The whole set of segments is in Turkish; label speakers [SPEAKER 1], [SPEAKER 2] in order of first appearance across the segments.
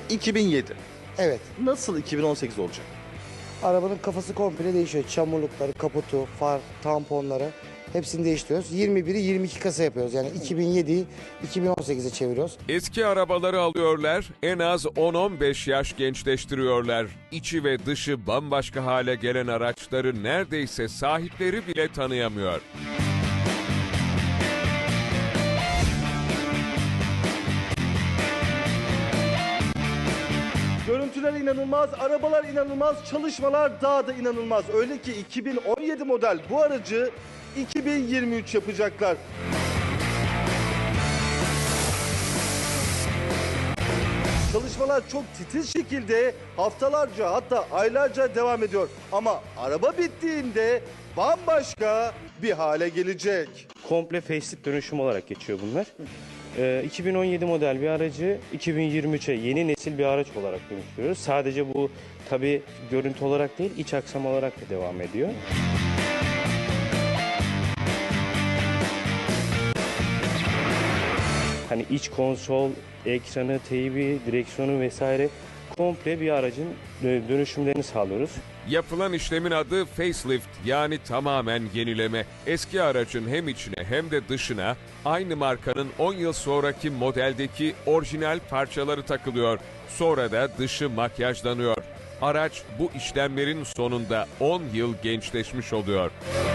[SPEAKER 1] 2007.
[SPEAKER 2] Evet.
[SPEAKER 1] Nasıl 2018 olacak?
[SPEAKER 2] Arabanın kafası komple değişiyor. Çamurlukları, kaputu, far, tamponları hepsini değiştiriyoruz. 21'i 22 kasa yapıyoruz. Yani 2007'yi 2018'e çeviriyoruz.
[SPEAKER 3] Eski arabaları alıyorlar, en az 10-15 yaş gençleştiriyorlar. İçi ve dışı bambaşka hale gelen araçları neredeyse sahipleri bile tanıyamıyor.
[SPEAKER 1] Görüntüler inanılmaz, arabalar inanılmaz, çalışmalar daha da inanılmaz. Öyle ki 2017 model bu aracı 2023 yapacaklar. Çalışmalar çok titiz şekilde haftalarca hatta aylarca devam ediyor. Ama araba bittiğinde bambaşka bir hale gelecek.
[SPEAKER 4] Komple facelift dönüşüm olarak geçiyor bunlar. 2017 model bir aracı 2023'e yeni nesil bir araç olarak dönüştürüyoruz. Sadece bu tabii görüntü olarak değil, iç aksam olarak da devam ediyor. Hani iç konsol, ekranı, teybi, direksiyonu vesaire komple bir aracın dönüşümlerini sağlıyoruz.
[SPEAKER 3] Yapılan işlemin adı facelift, yani tamamen yenileme. Eski aracın hem içine hem de dışına aynı markanın 10 yıl sonraki modeldeki orijinal parçaları takılıyor. Sonra da dışı makyajlanıyor. Araç bu işlemlerin sonunda 10 yıl gençleşmiş oluyor.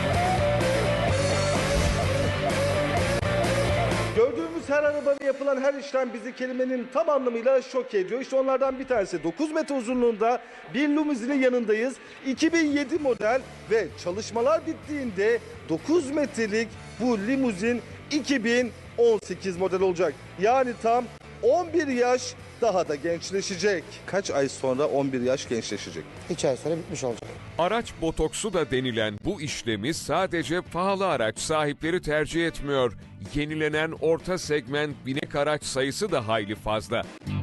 [SPEAKER 1] Gördüğümüz her arabada yapılan her işlem bizi kelimenin tam anlamıyla şok ediyor. İşte onlardan bir tanesi 9 metre uzunluğunda bir limuzinin yanındayız. 2007 model ve çalışmalar bittiğinde 9 metrelik bu limuzin 2018 model olacak. Yani tam 11 yaş daha da gençleşecek. Kaç ay sonra 11 yaş gençleşecek?
[SPEAKER 2] 2 ay sonra bitmiş olacak.
[SPEAKER 3] Araç botoksu da denilen bu işlemi sadece pahalı araç sahipleri tercih etmiyor. Yenilenen orta segment binek araç sayısı da hayli fazla.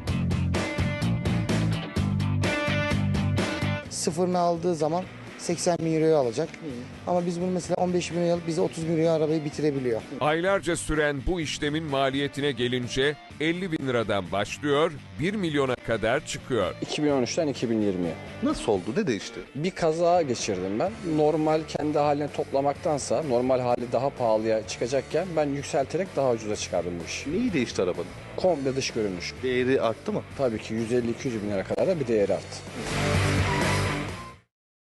[SPEAKER 2] Sıfırını aldığı zaman 80 bin euroya alacak. Ama biz bunu mesela 15 bin euroya alıp bize 30 bin euroya arabayı bitirebiliyor.
[SPEAKER 3] Aylarca süren bu işlemin maliyetine gelince 50 bin liradan başlıyor, 1 milyona kadar çıkıyor.
[SPEAKER 5] 2013'ten 2020'ye.
[SPEAKER 1] Nasıl oldu? Ne değişti?
[SPEAKER 5] Bir kaza geçirdim ben. Normal kendi haline toplamaktansa normal hali daha pahalıya çıkacakken ben yükselterek daha ucuza çıkardım bu işi.
[SPEAKER 1] Neyi değişti arabanın?
[SPEAKER 5] Komple dış görünüş.
[SPEAKER 1] Değeri arttı mı?
[SPEAKER 5] Tabii ki 150-200 bin lira kadar da bir değeri arttı.